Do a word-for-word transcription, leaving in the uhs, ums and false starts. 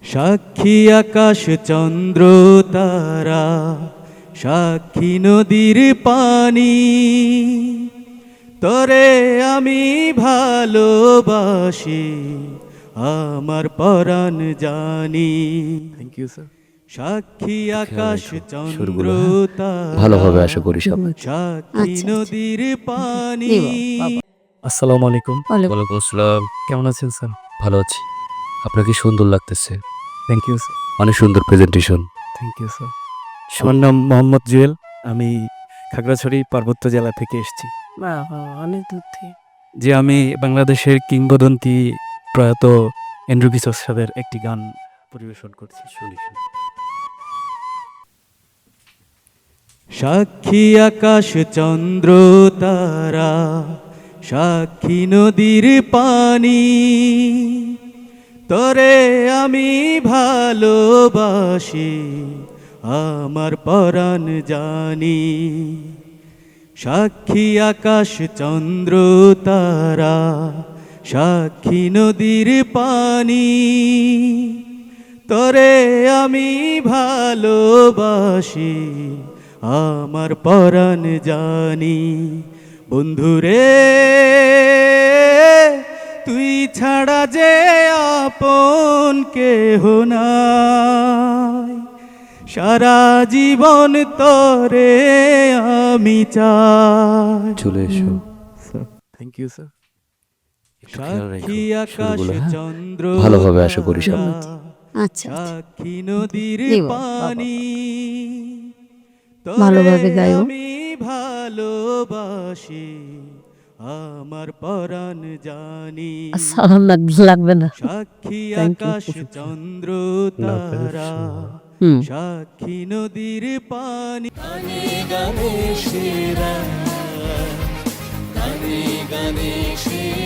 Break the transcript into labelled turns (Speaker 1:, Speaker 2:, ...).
Speaker 1: সাক্ষী আকাশ চন্দ্র তারা, সাক্ষী নদীর পানি, তরে আমি ভালোবাসি, আমার পরাণ জানি।
Speaker 2: Thank you sir.
Speaker 1: সাক্ষী আকাশ চন্দ্র তারা,
Speaker 3: ভালোভাবে আশা করি সবাই।
Speaker 1: সাক্ষী
Speaker 4: আচ্ছা,
Speaker 1: নদীর পানি।
Speaker 2: আসসালামু আলাইকুম।
Speaker 4: ওয়ালাইকুম
Speaker 3: ওয়ালাইকুম আসসালাম।
Speaker 2: কেমন আছেন স্যার?
Speaker 3: ভালো আছি। আপনাকে সুন্দর লাগতেছে,
Speaker 2: থ্যাংক ইউ স্যার।
Speaker 3: অনেক সুন্দর প্রেজেন্টেশন।
Speaker 2: Thank you sir. আমার নাম মোহাম্মদ জুয়েল। আমি খাগড়াছড়ি পার্বত্য জেলা থেকে এসেছি।
Speaker 4: বাবা, অনেক দূর থেকে।
Speaker 2: যে আমি বাংলাদেশের কিংবদন্তি প্রয়াত এন্ড্রু কিশোর সাহেবের একটি গান পরিবেশন করছি। শুনি শুনি।
Speaker 1: সাক্ষী আকাশ চন্দ্র তারা, সাক্ষী নদীর পানি, তরে আমি ভালোবাসি, আমার পরাণ জানি। সাক্ষী আকাশ চন্দ্র তারা, সাক্ষী নদীর পানি, তরে আমি ভালোবাসি, আমার পরাণ জানি। বন্ধুরে তুই ছাড়া যে আপন কেহ নাই, সারা জীবন তরে আমি চাই।
Speaker 3: চলে এসো।
Speaker 2: Thank you sir.
Speaker 1: সাক্ষী আকাশ
Speaker 3: সুরগুলো, হ্যাঁ?
Speaker 1: চন্দ্র
Speaker 3: ভালোভাবে আশা করি সবাই।
Speaker 1: তারা,
Speaker 4: আচ্ছা,
Speaker 1: সাক্ষী নদীর
Speaker 4: দিব, বাবা।
Speaker 1: পানি,
Speaker 4: ভালোভাবে
Speaker 1: তরে
Speaker 4: গাইও।
Speaker 1: আমি ভালোবাসি, আমার পরাণ জানি।
Speaker 4: সালাম লাগবে না।
Speaker 1: সাক্ষী
Speaker 4: Thank you.
Speaker 1: আকাশ চন্দ্র
Speaker 2: না,
Speaker 1: তারা,
Speaker 4: হুম।
Speaker 1: সাক্ষী নদীর পানি। গানে গানে সেরা, গানে গানে সেরা।